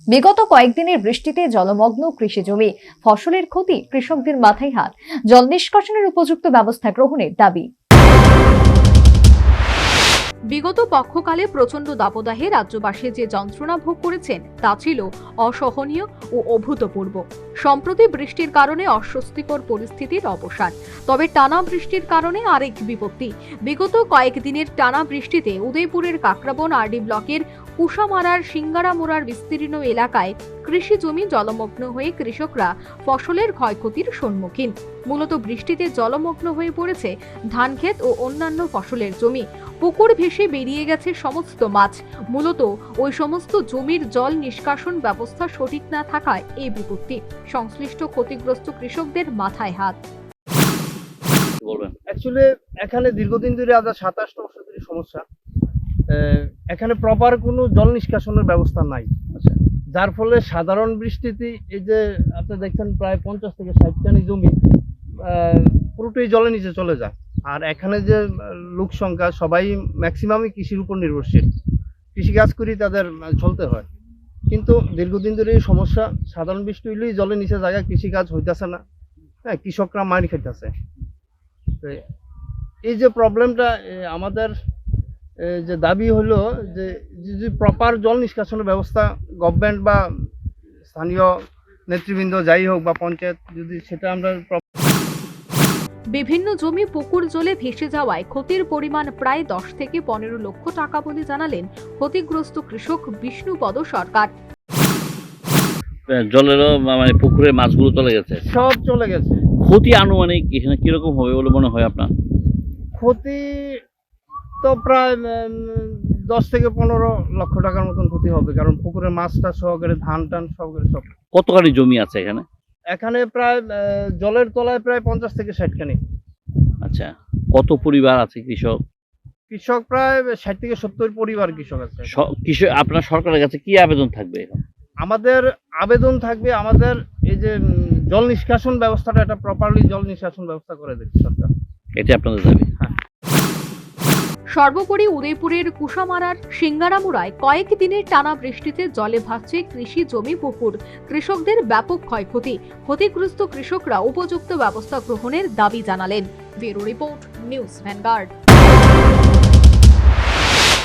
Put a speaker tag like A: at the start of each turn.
A: বিগত কয়েকদিনের বৃষ্টিতে জলমগ্ন কৃষি জমি, ফসলের ক্ষতি, কৃষকদের মাথায় হাত। জল নিষ্কাশনের উপযুক্ত ব্যবস্থা গ্রহণের দাবি। বিগত পক্ষকালে প্রচন্ড দাবদাহে রাজ্যবাসী যে যন্ত্রণা ভোগ করেছেন তা ছিল অসহনীয় ও অভূতপূর্ব। সম্প্রতি বৃষ্টির কারণে অস্বস্তিকর পরিস্থিতির অবসান। তবে টানা বৃষ্টির কারণে আরেক বিপত্তি। বিগত কয়েকদিনের টানা বৃষ্টিতে উদয়পুরের কাকরাবন আরডি ব্লকের কুশামারার সিঙ্গারামোড়ার বিস্তীর্ণ এলাকায় কৃষি জমি জলমগ্ন হয়ে কৃষকরা ফসলের ক্ষয়ক্ষতির সম্মুখীন। মূলত বৃষ্টিতে জলমগ্ন হয়ে পড়েছে ধানক্ষেত ও অন্যান্য ফসলের জমি। পুকুর ভেসে বেরিয়ে গেছে সমস্ত মাছ। মূলত ওই সমস্ত জমির জল নিষ্কাশন ব্যবস্থা সঠিক না থাকায় এই বিপত্তি। সংশ্লিষ্ট ক্ষতিগ্রস্ত কৃষকদের মাথায় হাত।
B: অ্যাকচুয়ালি এখানে দীর্ঘদিন ধরে আজ 27 বছর ধরে সমস্যা। এখানে প্রপার কোনো জল নিষ্কাশনের ব্যবস্থা নাই। আচ্ছা, যার ফলে সাধারণ বৃষ্টিতে এই যে আপনি দেখছেন প্রায় 50 থেকে 60 কানি জমি পুরোটাই জলের নিচে চলে যায়। আর এখানে যে লোক সংখ্যা সবাই ম্যাক্সিমামই কৃষির উপর নির্ভরশীল, কৃষিকাজ করি তাদের চলতে হয়। কিন্তু দীর্ঘদিন ধরে এই সমস্যা, সাধারণ বৃষ্টি হইলেই জলের নিচে জায়গা, কৃষিকাজ হইতেছে না। হ্যাঁ, কৃষকরা মার খাইতেছে। এই যে প্রবলেমটা, আমাদের যে দাবি হলো যে যদি প্রপার জল নিষ্কাশনের ব্যবস্থা গভর্নমেন্ট বা স্থানীয় নেতৃবৃন্দ যাই হোক বা পঞ্চায়েত, যদি সেটা আমরা
A: বিভিন্ন জমি পুকুর জলে ভেসে যাওয়ায় ক্ষতির পরিমাণ প্রায় 10 থেকে 15 লক্ষ টাকা বলে জানালেন ক্ষতিগ্রস্ত কৃষক বিষ্ণুপদ সরকার।
C: জলেরও মানে পুকুরে মাছগুলো চলে গেছে,
B: সব চলে গেছে।
C: ক্ষতি আনুমানিক এখানে কিরকম হবে বলে মনে হয় আপনার?
B: ক্ষতি তো প্রায় 10 থেকে 15 লক্ষ টাকার মতন ক্ষতি হবে, কারণ পুকুরে মাছটা সহকারে ধান টান সহকারে সব।
C: কতখানি জমি আছে এখানে?
B: এখানে প্রায় জলের তলায় প্রায় 50 থেকে 60 খানি।
C: আচ্ছা, কত পরিবার আছে কৃষক?
B: কৃষক প্রায় 60 থেকে 70 পরিবার কৃষক আছে।
C: কৃষক আপনার সরকারের কাছে কি আবেদন থাকবে এখন?
B: আমাদের আবেদন থাকবে, আমাদের এই যে জল নিষ্কাশন ব্যবস্থাটা, এটা প্রপারলি জল নিষ্কাশন ব্যবস্থা করে দেবে সরকার।
C: এটা আপনাদের দাবি?
B: হ্যাঁ।
A: সর্বোপরি উদয়পুরের কুশামারার সিঙ্গারামুড়ায় কয়েকদিনের টানা বৃষ্টিতে জলে ভাসছে কৃষি জমি, পুকুর। কৃষকদের ব্যাপক ক্ষয়ক্ষতি। ক্ষতিগ্রস্ত কৃষকরা উপযুক্ত ব্যবস্থা গ্রহণের দাবি জানালেন। Bureau report, news vanguard.